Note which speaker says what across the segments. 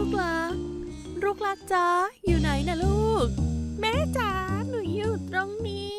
Speaker 1: กรักลูกรักจ๊ะอยู่ไหนนะลูกแม่จ๋าหนูอยู่ตรงนี้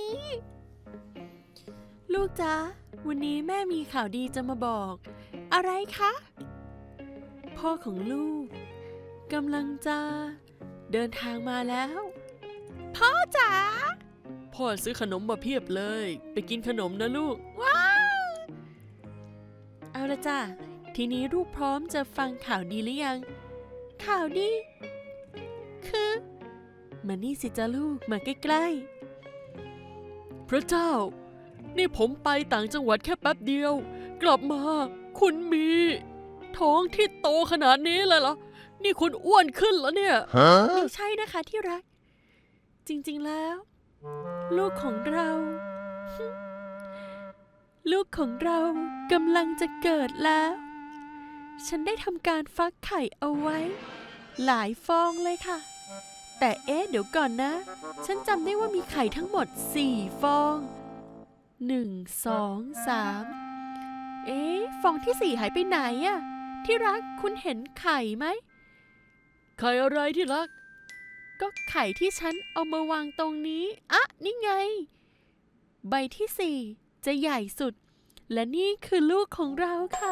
Speaker 1: ลูกจ๊ะวันนี้แม่มีข่าวดีจะมาบอกอะไรคะพ่อของลูกกำลังจะเดินทางมาแล้วพ่อจ๋าพ่อซื้อขนมมาเพียบเลยไปกินขนมนะลูกว้าวเอาละจ้ะทีนี้ลูกพร้อมจะฟังข่าวดีหรือยังข่าวดีคือมานี่สิจ้าลูกมาใกล้ๆพระเจ้านี่ผมไปต่างจังหวัดแค่แป๊บเดียวกลับมาคุณมีท้องที่โตขนาดนี้เลยเหรอนี่คุณอ้วนขึ้นแล้วเนี่ยไม่ใช่นะคะที่รักจริงๆแล้วลูกของเราลูกของเรากำลังจะเกิดแล้วฉันได้ทำการฟักไข่เอาไว้หลายฟองเลยค่ะแต่เดี๋ยวก่อนนะฉันจำได้ว่ามีไข่ทั้งหมด4ฟอง1 2 3ฟองที่4หายไปไหนอะที่รักคุณเห็นไข่ไหมไข่อะไรที่รักก็ไข่ที่ฉันเอามาวางตรงนี้อะนี่ไงใบที่4จะใหญ่สุดและนี่คือลูกของเราค่ะ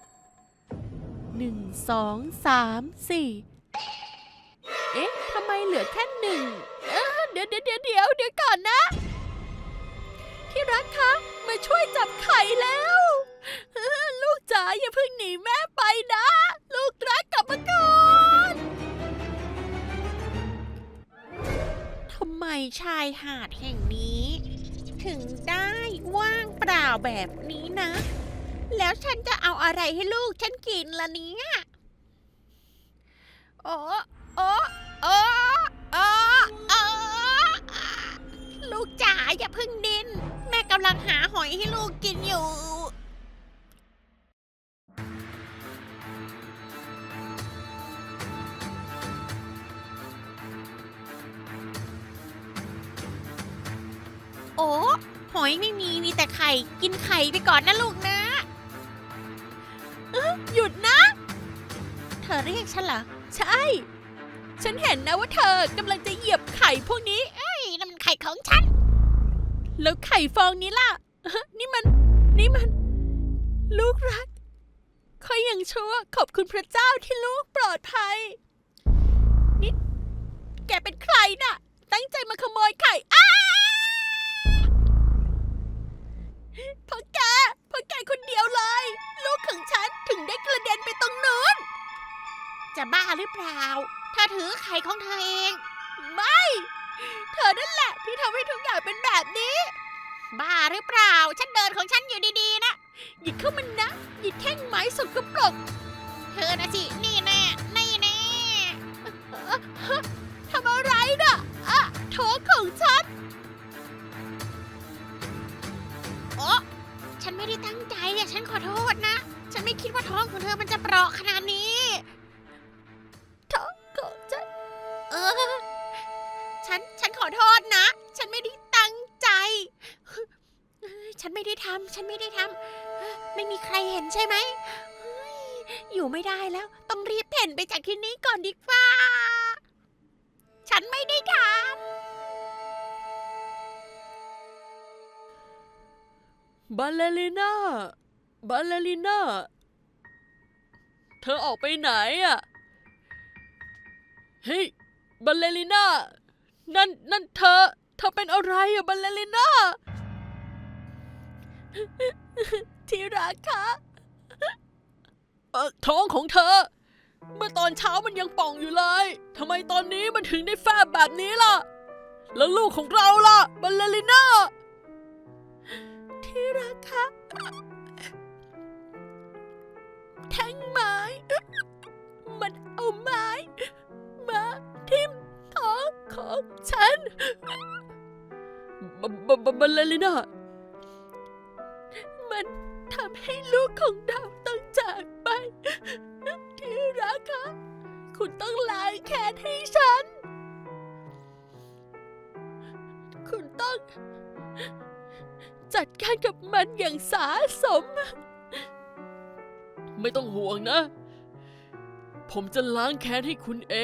Speaker 1: 1 2 3 4ทำไมเหลือแค่1เดี๋ยวก่อนนะที่รักคะมาช่วยจับไข่แล้วลูกจ๋าอย่าเพิ่งหนีแม่ไปนะลูกรักกลับมาก่อน
Speaker 2: ทำไมชายหาดแห่งนี้ถึงได้ว่างเปล่าแบบนี้นะ แล้วฉันจะเอาอะไรให้ลูกฉันกินล่ะเนี่ยโอ้ลูกจ๋าอย่าเพิ่งดิ้นแม่กำลังหาหอยให้ลูกกินอยู่โอ้หอยไม่มีแต่ไข่กินไข่ไปก่อนนะลูกนะ
Speaker 1: หยุดนะ
Speaker 2: เธอเรียกฉันเหรอ
Speaker 1: ใช่ฉันเห็นนะว่าเธอกำลังจะเหยียบไข่พวกนี้
Speaker 2: นั่นมันไข่ของฉัน
Speaker 1: แล้วไข่ฟองนี้ล่ะนี่มันลูกรักค่อยยังชั่วขอบคุณพระเจ้าที่ลูกปลอดภัยนี่แกเป็นใครน่ะตั้งใจมาขโมยไข่เพราะแกคนเดียวเลยลูกของฉันถึงได้กระเด็นไปตรงนู้น
Speaker 2: จะบ้าหรือเปล่าเธอถือไข่ของเธอเอง
Speaker 1: ไม่เธอนั่นแหละที่ทำให้ทุกอย่างเป็นแบบนี้
Speaker 2: บ้าหรือเปล่าฉันเดินของฉันอยู่ดีๆนะ
Speaker 1: หยิบเข้ามันนะหยิบแท่งไม้สกปรก
Speaker 2: เธอนะสินี่แน่
Speaker 1: ทำอะไรน่ะท้องของฉัน
Speaker 2: ฉันไม่ได้ตั้งใจฉันขอโทษนะฉันไม่คิดว่าท้องของเธอมันจะเปราะขนาดนี้
Speaker 1: ท้องของฉัน
Speaker 2: ฉันขอโทษนะฉันไม่ได้ตั้งใจฉันไม่ได้ทำไม่มีใครเห็นใช่ไหมอยู่ไม่ได้แล้วต้องรีบเพ่นไปจากที่นี้ก่อนดีกว่าฉันไม่ได้ท
Speaker 1: ำบัลเลริน่าเธอออกไปไหนอะเฮ้ยบัลเลริน่านั่นเธอเป็นอะไรอะบัลเลริน่าที่รักคะท้องของเธอเมื่อตอนเช้ามันยังป่องอยู่เลยทำไมตอนนี้มันถึงได้แฟบแบบนี้ล่ะแล้วลูกของเราล่ะบัลเลริน่าที่รักคะแท่งไม้มันเอาไม้มาทิ่มท้องของฉันบัลเลริน่ามันทำให้ลูกของเราต้องจากไปที่รักคะคุณต้องล้างแค้นให้ฉันคุณต้องจัดการกับมันอย่างสาสมไม่ต้องห่วงนะผมจะล้างแค้นให้คุณเอง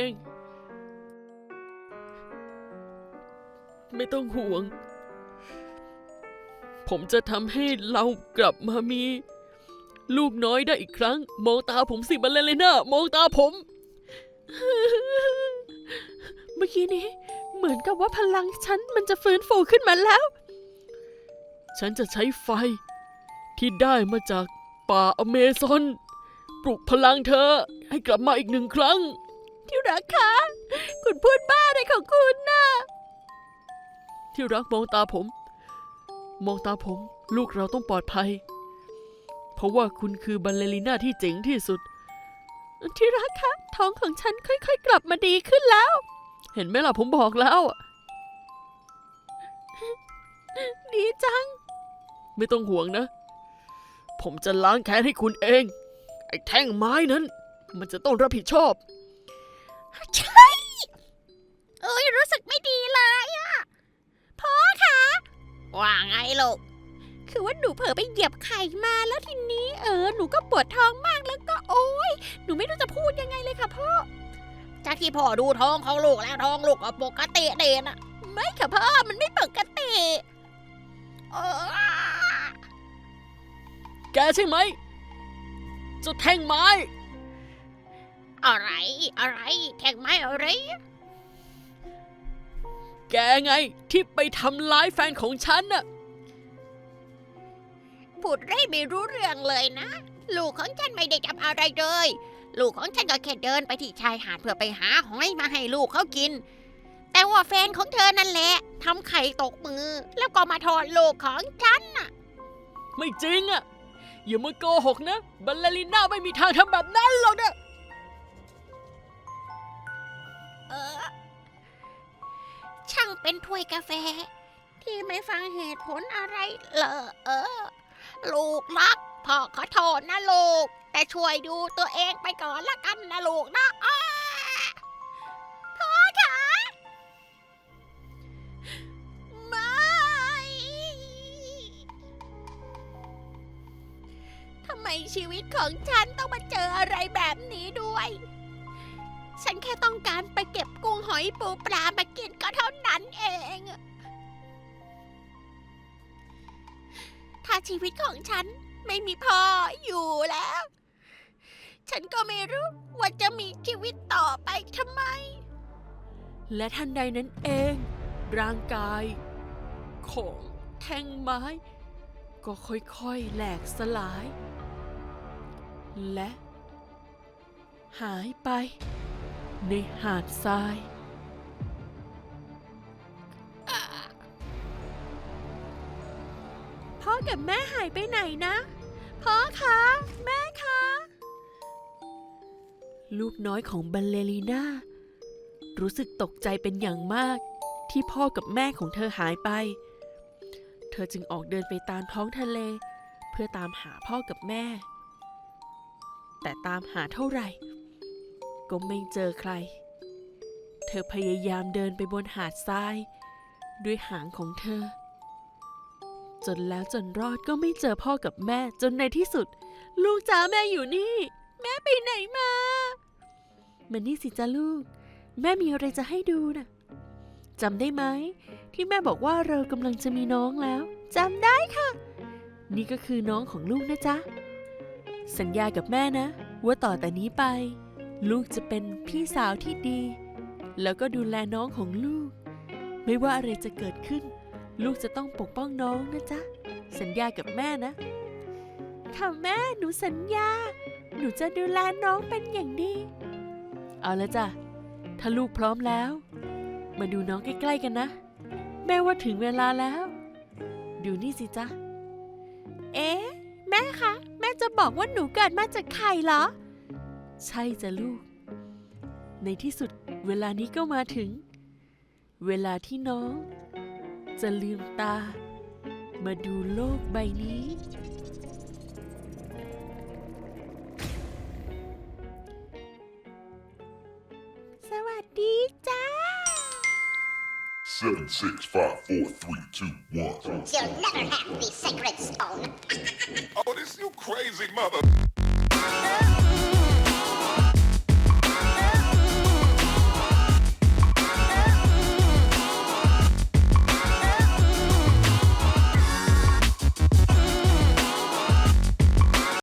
Speaker 1: ไม่ต้องห่วง ผมจะทำให้เรากลับมามีลูกน้อยได้อีกครั้ง มองตาผมสิบัลเลริน่ามองตาผม เมื่อกี้นี้เหมือนกับว่าพลังฉันมันจะฟื้นฟูขึ้นมาแล้ว ฉันจะใช้ไฟที่ได้มาจากป่าอเมซอนปลุกพลังเธอให้กลับมาอีก1 ครั้ง ที่รักคะคุณพูดบ้าอะไรของคุณน่ะที่รักมองตาผม มองตาผม ลูกเราต้องปลอดภัย เพราะว่าคุณคือบัลเลริน่าที่เจ๋งที่สุด ที่รักคะท้องของฉันค่อยๆกลับมาดีขึ้นแล้ว เห็นไหมล่ะผมบอกแล้ว ดีจัง ไม่ต้องห่วงนะ ผมจะล้างแค้นให้คุณเอง ไอ้แท่งไม้นั้น มันจะต้องรับผิดชอบ
Speaker 2: ใช่รู้สึกไม่ดีเลยอะพ่อคะว่าไงลูกคือว่าหนูเผลอไปเหยียบไข่มาแล้วทีนี้หนูก็ปวดท้องมากแล้วก็โอ๊ยหนูไม่รู้จะพูดยังไงเลยค่ะพ่อจากที่พ่อดูท้องของลูกแล้วท้องลูกก็ปกติเด่นอะไม่ค่ะพ่อมันไม่ปกติ
Speaker 1: แกใช่ไหมเจ้าแท่งไม้
Speaker 2: อะไรแท่งไม้อะไร
Speaker 1: แกไงที่ไปทำร้ายแฟนของฉันน่ะ
Speaker 2: พูดไม่รู้เรื่องเลยนะลูกของฉันไม่ได้ทำอะไรเลยลูกของฉันก็แค่เดินไปที่ชายหาดเพื่อไปหาหอยมาให้ลูกเขากินแต่ว่าแฟนของเธอนั่นแหละทำไข่ตกมือแล้วก็มาโทษลูกของฉันน่ะ
Speaker 1: ไม่จริงอ่ะอย่ามาโกหกนะบัลเลริน่าไม่มีทางทำแบบนั้นหรอกนะ
Speaker 2: ช่างเป็นถ้วยกาแฟที่ไม่ฟังเหตุผลอะไรเลยลูกรักพ่อขอโทษนะลูกแต่ช่วยดูตัวเองไปก่อนละกันนะลูกนะพ่อคะไม่ทำไมชีวิตของฉันต้องมาเจออะไรแบบนี้ด้วย ฉันแค่ต้องการไปเก็บกุ้งหอยปูปลามากินก็เท่านั้นเองถ้าชีวิตของฉันไม่มีพ่ออยู่แล้ว ฉันก็ไม่รู้ว่าจะมีชีวิตต่อไปทำไม
Speaker 1: และทันใดนั้นเอง ร่างกายของแท่งไม้ ก็ค่อยๆแหลกสลาย และหายไปในหาดทรายพ่อกับแม่หายไปไหนนะพ่อคะแม่คะลูกน้อยของบัลเลริน่ารู้สึกตกใจเป็นอย่างมากที่พ่อกับแม่ของเธอหายไปเธอจึงออกเดินไปตามท้องทะเลเพื่อตามหาพ่อกับแม่แต่ตามหาเท่าไหร่ก็ไม่เจอใครเธอพยายามเดินไปบนหาดทรายด้วยหางของเธอจนแล้วจนรอดก็ไม่เจอพ่อกับแม่จนในที่สุดลูกจ๋าแม่อยู่นี่แม่ไปไหนมานี่สิจ้าลูกแม่มีอะไรจะให้ดูนะจำได้ไหมที่แม่บอกว่าเรากำลังจะมีน้องแล้วจำได้ค่ะนี่ก็คือน้องของลูกนะจ๊ะสัญญากับแม่นะว่าต่อแต่นี้ไปลูกจะเป็นพี่สาวที่ดีแล้วก็ดูแลน้องของลูกไม่ว่าอะไรจะเกิดขึ้นลูกจะต้องปกป้องน้องนะจ๊ะสัญญากับแม่นะค่ะแม่หนูสัญญาหนูจะดูแลน้องเป็นอย่างดีเอาละจ้ะถ้าลูกพร้อมแล้วมาดูน้องใกล้ๆกันนะแม่ว่าถึงเวลาแล้วดูนี่สิจ๊ะแม่คะแม่จะบอกว่าหนูเกิดมาจากไข่เหรอใช่จ้ะลูกในที่สุดเวลานี้ก็มาถึงเวลาที่น้องจะลืมตามาดูโลกใบนี้สวัสดีจ้า
Speaker 3: 7, 6, 5, 4, 3, 2, 1.
Speaker 4: You'll never have the sacred stone.
Speaker 3: Oh, this you crazy mother.